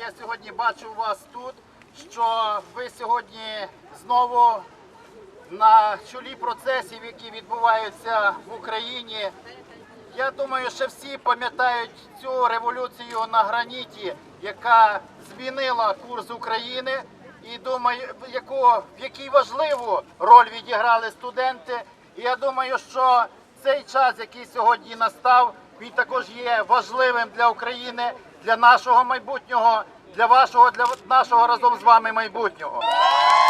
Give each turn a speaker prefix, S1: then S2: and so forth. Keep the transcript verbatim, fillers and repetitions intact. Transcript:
S1: я сьогодні бачу вас тут, що ви сьогодні знову на чолі процесів, які відбуваються в Україні. Я думаю, що всі пам'ятають цю революцію на граніті, яка змінила курс України, і думаю, яку, в якій важливу роль відіграли студенти. І я думаю, що цей час, який сьогодні настав, він також є важливим для України, для нашого майбутнього, для вашого, для нашого разом з вами майбутнього.